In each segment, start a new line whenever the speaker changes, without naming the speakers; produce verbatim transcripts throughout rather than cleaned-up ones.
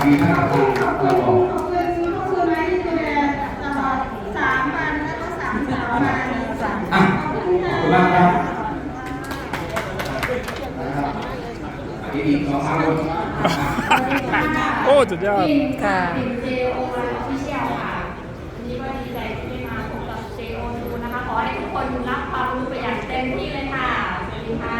มีท่านประธานมาบอก
ขอบคุณขอบคุณไม้ที่ดูแลตลอดสามวันแล้วก็สามสาวมาสาม
อ่ะขอบคุณมากครับอีกอีกสองสามคน
โอ้สุดยอด
ค่ะ
ค่ะเป็น เจ โอ วัน Official ค่ะวันนี้ก็ดีใจที่ได้มาพบกับ เจ โอ ทู นะคะ ขอให้ทุกคนรับความรู้ไปอย่างเต็มที่เลยค่ะสวัสดีค่ะ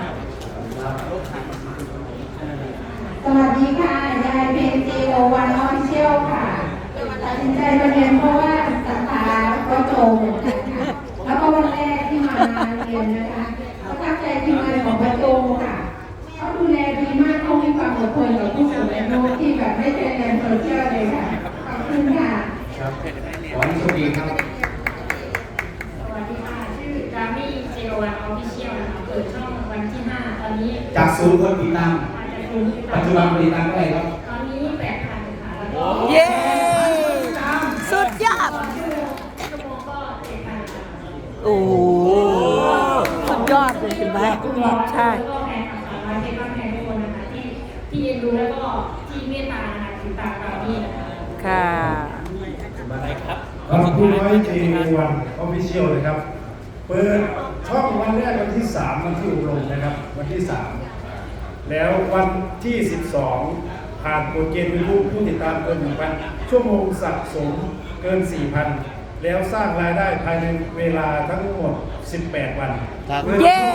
สวัสดีค่ะยายเป็น เจ โอ วัน Official ค่ะตัดสินใจมาเรียนเพราะว่าสาขาก็โจเหมือนกันค่ะแล้วก็วันแรกที่มาเรียนนะคะก็ตั้งใจทีมงานของประโจค่ะเขาดูแลดีมากเขามีความอดทนกับผู้สูงอายุที่แบบไม่เป็นแรงโซเชียลเลยค่ะขอบคุณค่ะ
ครับขอให้โชคดีครับ
สวัสดีค่ะชื่อจามี่ เจ โอ วัน Official นะคะเปิดช่องวันที่ห้าตอนนี้
จากศูนย์คนติดตาม
อาจจะดูที่
ปัจจุบันติดตามเท่าไหร่ครับ
ตอนนี้แปดพันค่ะแล้วก็
เย้สุดยอด
ชั่วโมงก็เจ็ดพันค่ะ
โอ้โหสุดยอดเลยเห็นไหมใช่
แล้วก็แฟนคลับสาวน้อยเพชรบ้านแพงทุกคนนะคะที่ที่เอ็นดูแล้วก็ที่เมตตานะคะติดตามเรานี่นะคะ
ค่ะ
ขอบคุณไว้เจวันออฟฟิเชียลเลยครับ เปิดช่องวันแรกวันที่สามวันที่อบรมนะครับ วันที่สามแล้ววันที่สิบสองผ่านโปรเจกต์มีผู้ผู้ติดตามเกินหนึ่งพันชั่วโมงสะสมเกินสี่พันแล้วสร้างรายได้ภายในเวลาทั้งหมดสิบแปดวัน
เย้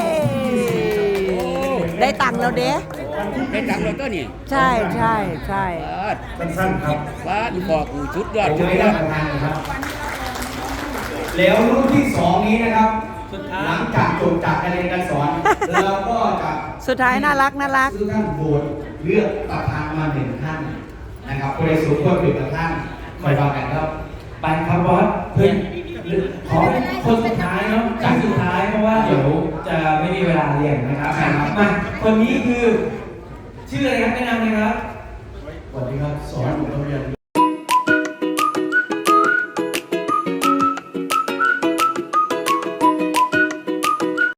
ได้ตังค์แล้วเด้
ได้ตังค์แล้วตัวนี้
ใช่ใช่ใช่
บาด
สั้นๆครับ
บาดบอกกูชุดยอด
ผม
ชุด
ให้
ย
ท่า
อน ด
ประธานนะครับ แล้วรุ่นที่สองนี้นะครับ หลังจากจบจากการเรียนการสอน เราก็จะ
สุดท้ายน่ารักน่ารัก
ซึ่งท่านโหวตเลือกประธานมาหนึ่งท่านนะครับผู้ใดสูงควรเป็นประธานคอยฟังกันครับ
ไปครับบอสเพื่อนขอเป็นคนสุดท้ายเนาะจากสุดท้ายเพราะว่าเดี๋ยวจะไม่มีเวลาเรียนนะครับมาคนนี้คือชื่ออะไรครับแนะนำเลยครับ
สวัสดีครับ สอนอยู่โรงเรียน